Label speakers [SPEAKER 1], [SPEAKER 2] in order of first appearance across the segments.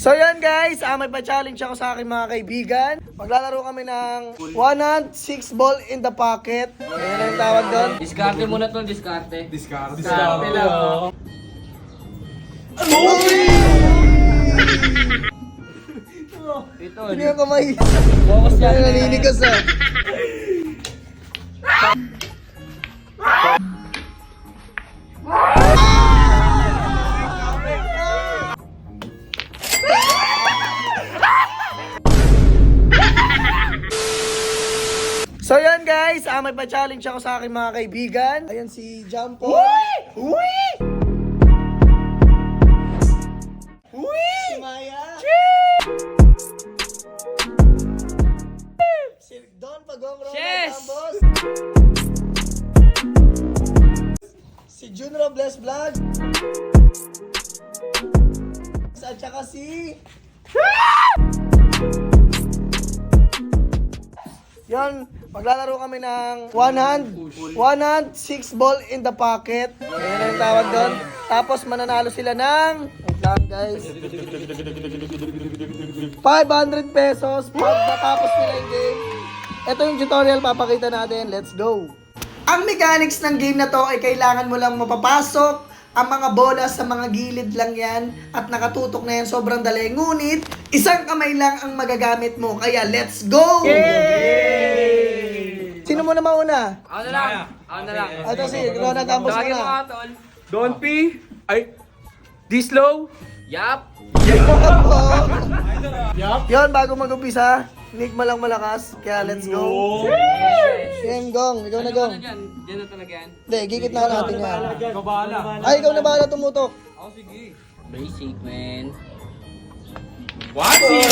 [SPEAKER 1] So yan guys, may pa-challenge ako sa aking mga kaibigan. Maglalaro kami ng one hand, 6 ball in the pocket. Ayan ang tawag doon.
[SPEAKER 2] Diskarte muna to, diskarte.
[SPEAKER 3] Diskarte
[SPEAKER 2] lang. Ito.
[SPEAKER 1] Hindi ako kamay.
[SPEAKER 2] Focus yan.
[SPEAKER 1] Ay, naninigas ah. So yan guys, may pa-challenge ako sa aking mga kaibigan. Ayan si Jumpo. Uy! Si Maya. Si Don Pagong Ronald
[SPEAKER 2] Yes!
[SPEAKER 1] Tambos. Si Jun Robles Vlog. At saka si... Yan, maglalaro kami ng one hand, 6 ball in the pocket. Ayan ang tawag doon. Tapos mananalo sila ng, wait lang guys, 500 pesos pag natapos nila yung game. Ito yung tutorial papakita natin. Let's go! Ang mechanics ng game na to ay kailangan mo lang mapapasok ang mga bola sa mga gilid lang yan at nakatutok na yan, sobrang dali. Ngunit, isang kamay lang ang magagamit mo. Kaya, let's go! Yay! Sino muna mauna?
[SPEAKER 2] Ako na lang. Ako na lang.
[SPEAKER 1] Ito si Ronald Ambos
[SPEAKER 2] Tawagin mo
[SPEAKER 1] muna.
[SPEAKER 2] nga, tol.
[SPEAKER 3] Don't be. Ay. This low.
[SPEAKER 2] Yap.
[SPEAKER 1] Yon, bago mag-umpisa, Nick mo lang malakas. Kaya, let's go. Game, Gong. Ikaw na, Gong.
[SPEAKER 2] Ano dyan? Dyan na talaga yan.
[SPEAKER 1] Hindi, gigit na natin yan.
[SPEAKER 3] Kabala.
[SPEAKER 1] Ay, ikaw na bahala tumutok.
[SPEAKER 3] Ako sige.
[SPEAKER 2] Basic, man.
[SPEAKER 3] 1-0.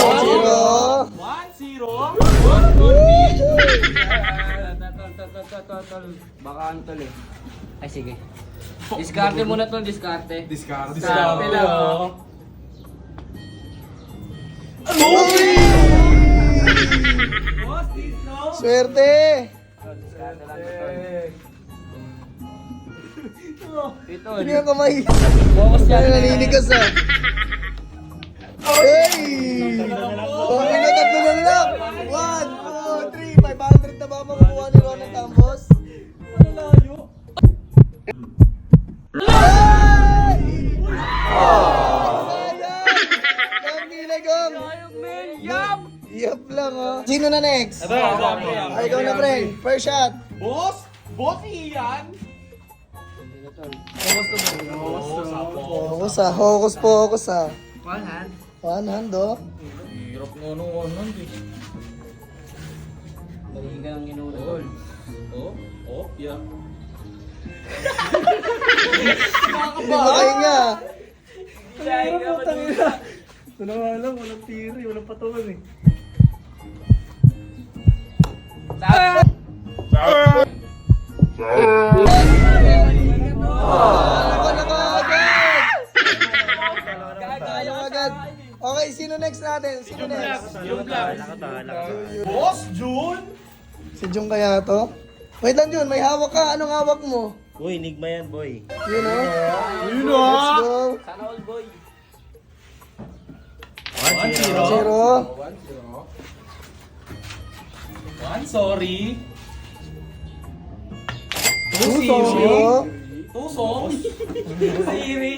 [SPEAKER 1] 0.
[SPEAKER 3] 1-0.
[SPEAKER 2] Baka ano tol eh. Ay, sige. Diskarte muna to, diskarte.
[SPEAKER 3] Diskarte.
[SPEAKER 2] Diskarte lang.
[SPEAKER 1] Swerte.
[SPEAKER 2] Diskarte lang to, tol. Ito.
[SPEAKER 1] Hindi ako kamay.
[SPEAKER 2] Focus yan.
[SPEAKER 1] Ay, naninigas ah. Hey! Okay na, tatlo na lang. 1, 2, 3, 500 na ba makukuha ni Ronald Tambos? Ano layo? Ay! Sayang! Ang Gong.
[SPEAKER 2] Yap!
[SPEAKER 1] Yap lang oh. Sino na next? Ay, ikaw na, friend. First shot.
[SPEAKER 3] Boss? Boss iyan?
[SPEAKER 1] Focus ah. Focus ah.
[SPEAKER 2] One hand.
[SPEAKER 1] One hand oh.
[SPEAKER 3] Hirap nga nung one eh.
[SPEAKER 2] Baligan ang inulol.
[SPEAKER 3] Yeah.
[SPEAKER 1] Hindi mo kayo nga.
[SPEAKER 3] Wala nga lang, walang tiri, walang patungan eh.
[SPEAKER 1] Agad. Okay, sino next natin? Sino next?
[SPEAKER 3] Boss June?
[SPEAKER 1] Si Jung kaya to? Wait lang Jun, may hawak ka. Anong hawak mo?
[SPEAKER 4] Boy, enigma yan, boy.
[SPEAKER 1] Yun oh.
[SPEAKER 3] Yun
[SPEAKER 1] Let's go.
[SPEAKER 2] Sana all boy.
[SPEAKER 1] 0.
[SPEAKER 3] 1, sorry.
[SPEAKER 1] 2,
[SPEAKER 3] 2-0.
[SPEAKER 1] sorry.
[SPEAKER 3] 2 songs. Siri.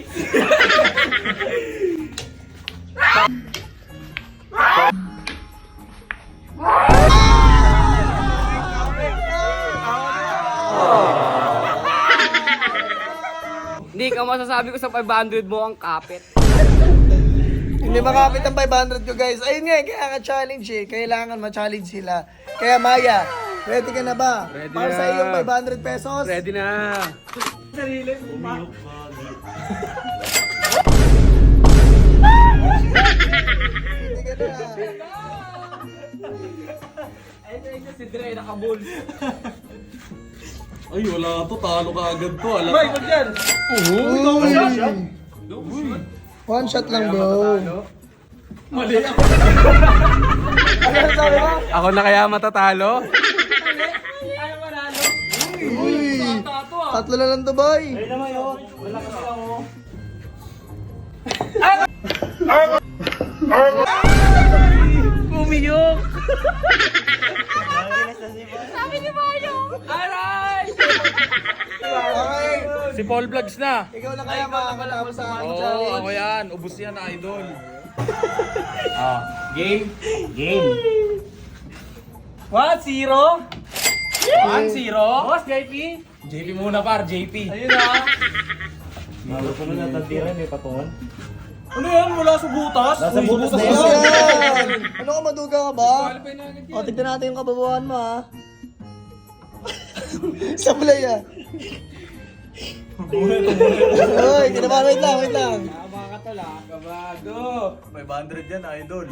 [SPEAKER 2] Hindi ka masasabi ko sa 500 mo ang kapit.
[SPEAKER 1] Hindi makapit ang 500 ko guys. Ayun nga, kaya ka-challenge eh. Kailangan ma-challenge sila. Kaya Maya, ready ka na ba?
[SPEAKER 3] Ready
[SPEAKER 1] Para
[SPEAKER 3] na.
[SPEAKER 1] sa iyong 500 pesos?
[SPEAKER 3] Ready na.
[SPEAKER 1] Ready ka na.
[SPEAKER 2] Ayun si Dre, nakabuls.
[SPEAKER 3] Ay, wala to. Talo ka agad to. Alam
[SPEAKER 2] Boy, kung dyan!
[SPEAKER 1] Uy. One shot lang bro.
[SPEAKER 3] Mali ako.
[SPEAKER 1] Ano sabi mo?
[SPEAKER 3] Ako na kaya matatalo?
[SPEAKER 2] Ayaw manalo.
[SPEAKER 1] Uy.
[SPEAKER 2] Tato ah.
[SPEAKER 1] Tatlo na lang to boy.
[SPEAKER 4] Ay naman yun. Wala kasi lang, oh.
[SPEAKER 3] Umiyok!
[SPEAKER 2] Aray!
[SPEAKER 1] Okay.
[SPEAKER 3] Si Paul Vlogs na.
[SPEAKER 1] Ikaw na kaya makakatapos sa aking
[SPEAKER 3] Oo,
[SPEAKER 1] challenge.
[SPEAKER 3] ako yan. Ubus yan, idol.
[SPEAKER 2] Game.
[SPEAKER 3] Game.
[SPEAKER 2] 1-0.
[SPEAKER 3] 1-0.
[SPEAKER 2] Boss, JP.
[SPEAKER 3] JP muna par, JP.
[SPEAKER 2] Ayun na.
[SPEAKER 4] Malo ko na natatiran, may patungan.
[SPEAKER 3] Ano yan? Mula sa butas?
[SPEAKER 4] Nasa
[SPEAKER 3] Uy,
[SPEAKER 4] butas na
[SPEAKER 1] Ano
[SPEAKER 4] yan.
[SPEAKER 1] yan? Ano ka maduga ka ba?
[SPEAKER 2] Qualify na agad
[SPEAKER 1] O, tignan natin yung kababuhan mo, ha? Sablay, ah. Uy, kinabahan, wait lang, wait lang.
[SPEAKER 2] Tama ka tala.
[SPEAKER 3] Kabado. 500 yan, idol.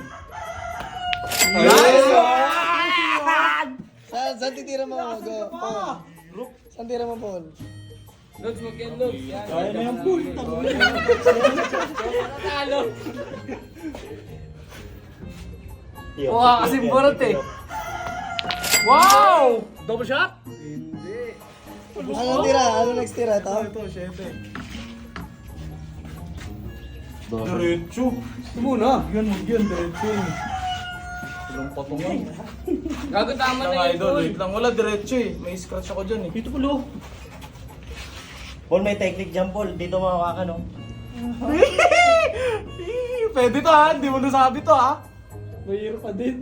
[SPEAKER 1] Saan titira mo, Go? Paul. Saan tira mo, Paul?
[SPEAKER 2] Lods, mag-yan, Lods. Yan.
[SPEAKER 4] Kaya na yung pool.
[SPEAKER 2] Natalo. Mukha kasing burot eh. Wow!
[SPEAKER 3] Double shot?
[SPEAKER 1] Ano tira? Ano next tira? Ito?
[SPEAKER 3] Ito, 7. Diretso.
[SPEAKER 2] Ito muna.
[SPEAKER 3] Yan, huwag yan, diretso. Walang patungan.
[SPEAKER 2] Gago tama
[SPEAKER 3] Lang,
[SPEAKER 2] na yun,
[SPEAKER 3] idol,
[SPEAKER 2] Paul.
[SPEAKER 3] wait lang. Wala, diretso eh. May scratch ako dyan eh. Ito pala.
[SPEAKER 4] Paul, may technique dyan, Paul. Dito makawakan, no?
[SPEAKER 3] Pwede to ha, hindi mo nasabi to ha.
[SPEAKER 2] Mahirap pa din.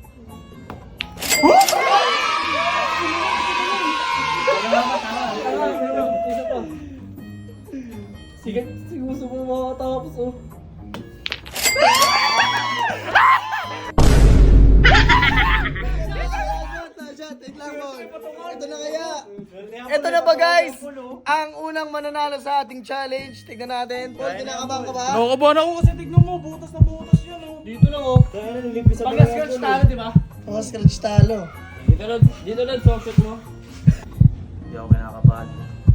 [SPEAKER 2] Isa pa. Sige, gusto mo makatapos oh.
[SPEAKER 1] Ito na kaya. Ito na ba guys? Ang unang mananalo sa ating challenge. Tignan natin. Paul, kinakabahan ka ba?
[SPEAKER 3] Nakakabahan ako kasi tignan mo, butas na butas yan oh.
[SPEAKER 2] Dito lang oh.
[SPEAKER 4] Kaya na nilipis sa
[SPEAKER 2] Pag-scratch talo, di ba?
[SPEAKER 1] Mga scratch talo.
[SPEAKER 2] Dito lang, soft shot mo.
[SPEAKER 3] Hindi ako kinakabahan.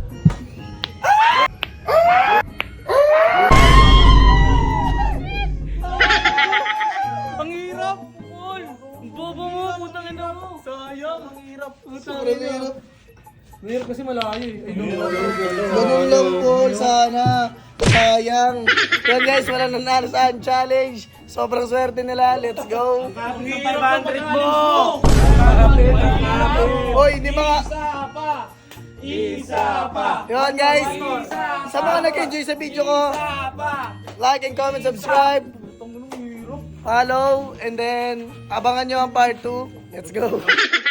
[SPEAKER 3] Ang hirap! Paul! Ang bobo mo! Putang ina mo! Sayang! Ang hirap! Putang
[SPEAKER 1] Sobrang hirap.
[SPEAKER 2] Mahirap kasi malayo eh. Ay,
[SPEAKER 1] Ganun lang, Paul. Sana. Sayang. Yan guys, wala nanalo sa ating challenge. Sobrang swerte nila. Let's go.
[SPEAKER 3] Ang hirap 500 mo!
[SPEAKER 1] Hoy, di ba?
[SPEAKER 3] Isa pa!
[SPEAKER 1] Yun guys. Sa mga nag-enjoy sa video ko, like and comment, subscribe, follow, and then abangan nyo ang part 2. Let's go.